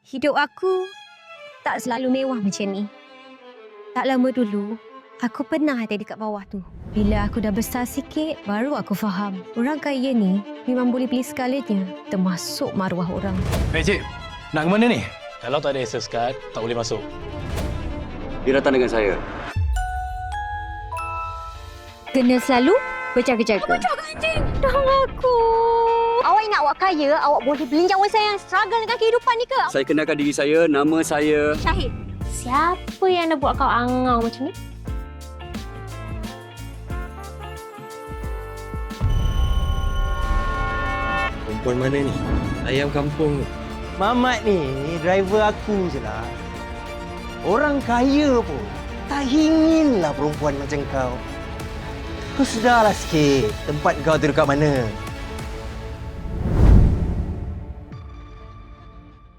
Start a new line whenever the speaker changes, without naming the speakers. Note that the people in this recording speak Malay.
Hidup aku tak selalu mewah macam ni. Tak lama dulu, aku pernah ada dekat bawah tu. Bila aku dah besar sikit, baru aku faham. Orang kaya ni memang boleh beli segalanya, termasuk maruah orang.
Cik, nak ke mana ni?
Kalau tak ada access card, tak boleh masuk.
Dia datang dengan saya.
Kena selalu berjaga-jaga. Berjaga anjing! Dah aku.
Awak nak awak kaya, awak boleh beli nyawa saya yang struggle dengan kehidupan ni ke?
Saya kenalkan diri saya, nama saya...
Syahid. Siapa yang nak buat kau angau macam ni?
Perempuan mana ni? Ayam kampung.
Mamat ni driver aku je lah. Orang kaya pun tak inginlah perempuan macam kau. Kau sedarlah sikit tempat kau tu dekat mana.